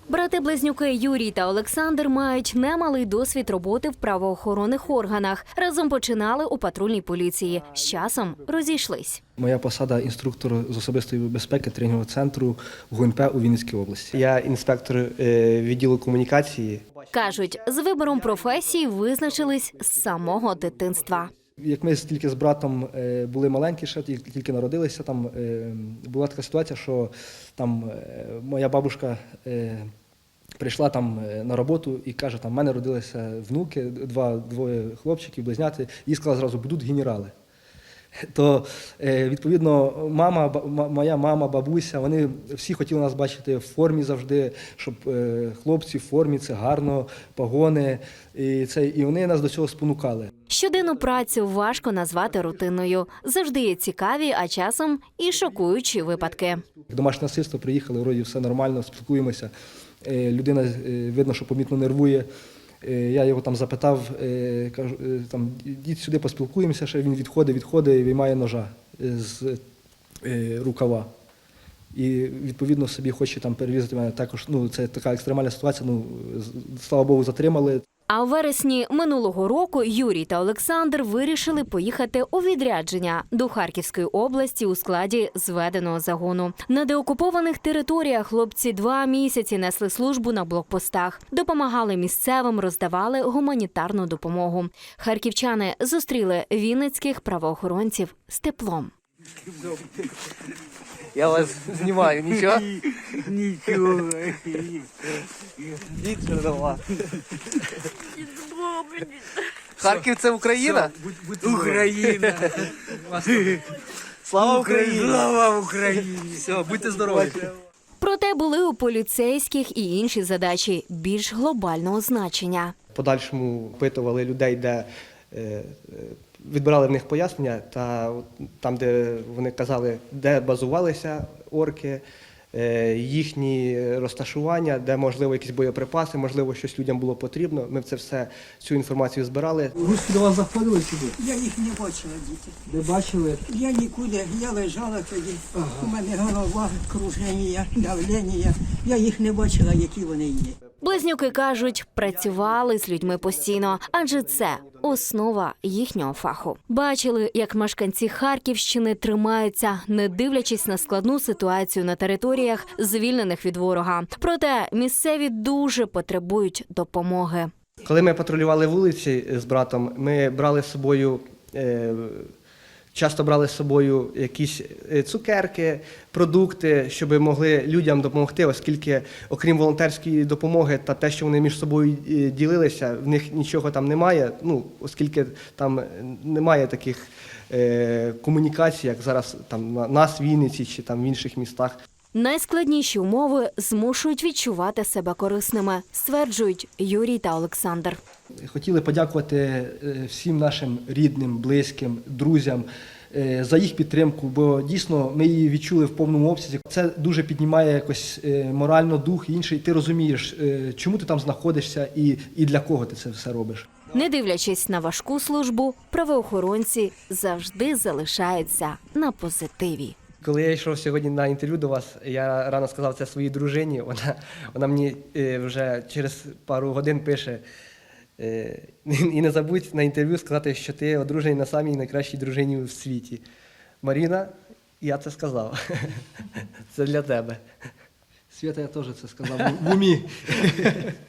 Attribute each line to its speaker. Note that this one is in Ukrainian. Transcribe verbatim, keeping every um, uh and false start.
Speaker 1: Брати-близнюки Юрій та Олександр мають немалий досвід роботи в правоохоронних органах. Разом починали у патрульній поліції. З часом розійшлись.
Speaker 2: Моя посада – інструктор з особистої безпеки тренінгового центру ГУНП у Вінницькій області.
Speaker 3: Я інспектор е, відділу комунікації.
Speaker 1: Кажуть, з вибором професії визначились з самого дитинства.
Speaker 2: Як ми тільки з братом е, були маленькі, ще тільки тільки народилися, там е, була така ситуація, що там е, моя бабушка е, прийшла там е, на роботу і каже, там в мене родилися внуки, два, двоє хлопчиків, близняти, і сказала зразу, будуть генерали. То, е, відповідно, мама, ба- моя мама, бабуся, вони всі хотіли нас бачити в формі завжди, щоб е, хлопці в формі, це гарно, погони, і, це, і вони нас до цього спонукали.
Speaker 1: Щоденну працю важко назвати рутинною. Завжди є цікаві, а часом і шокуючі випадки.
Speaker 2: Домашнє насильство, приїхали, вроді все нормально, спілкуємося. Е, Людина, е, видно, що помітно нервує. Е, Я його там запитав, е, кажу, е, там, йдіть сюди, поспілкуємося, ще він відходить, відходить і виймає ножа е, з е, рукава. І, відповідно, собі хоче там перерізати мене. Також, ну, це така екстремальна ситуація, ну, з- слава Богу, затримали.
Speaker 1: А у вересні минулого року Юрій та Олександр вирішили поїхати у відрядження до Харківської області у складі зведеного загону. На деокупованих територіях хлопці два місяці несли службу на блокпостах, допомагали місцевим, роздавали гуманітарну допомогу. Харківчани зустріли вінницьких правоохоронців з теплом.
Speaker 3: Я вас знімаю, нічого?
Speaker 4: Нічого.
Speaker 3: Дід Чернова. Харків – це Україна?
Speaker 4: Україна.
Speaker 3: Слава Україні!
Speaker 4: Слава Україні.
Speaker 3: Все, будьте здорові.
Speaker 1: Проте були у поліцейських і інші задачі більш глобального значення.
Speaker 3: В подальшому опитували людей, де е, е, відбирали в них пояснення, та от там, де вони казали, де базувалися орки, е, їхні розташування, де, можливо, якісь боєприпаси, можливо, щось людям було потрібно. Ми це все, цю інформацію збирали.
Speaker 2: Руські до вас заходили сюди?
Speaker 5: Я їх не бачила, діти.
Speaker 2: Ви бачили?
Speaker 5: Я нікуди, я лежала тоді, у мене голова, круження, давлення. Я їх не бачила, які вони є.
Speaker 1: Близнюки кажуть, працювали з людьми постійно, адже це основа їхнього фаху. Бачили, як мешканці Харківщини тримаються, не дивлячись на складну ситуацію на територіях, звільнених від ворога. Проте місцеві дуже потребують допомоги.
Speaker 3: Коли ми патрулювали вулиці з братом, ми брали з собою, е, часто брали з собою якісь е, цукерки, продукти, щоб могли людям допомогти, оскільки, окрім волонтерської допомоги та те, що вони між собою е, ділилися, в них нічого там немає, ну, оскільки там немає таких е, комунікацій, як зараз там на нас в Вінниці чи там в інших містах.
Speaker 1: Найскладніші умови змушують відчувати себе корисними, стверджують Юрій та Олександр.
Speaker 2: Хотіли подякувати е, всім нашим рідним, близьким, друзям е, за їх підтримку, бо дійсно ми її відчули в повному обсязі. Це дуже піднімає якось е, морально дух інший. Ти розумієш, е, чому ти там знаходишся і, і для кого ти це все робиш.
Speaker 1: Не дивлячись на важку службу, правоохоронці завжди залишаються на позитиві.
Speaker 3: Коли я йшов сьогодні на інтерв'ю до вас, я рано сказав це своїй дружині. Вона, вона мені е, вже через пару годин пише, е, і не забудь на інтерв'ю сказати, що ти одружений на самій найкращій дружині в світі. Маріна, я це сказав. Це для тебе.
Speaker 2: Свята, я теж це сказав в умі.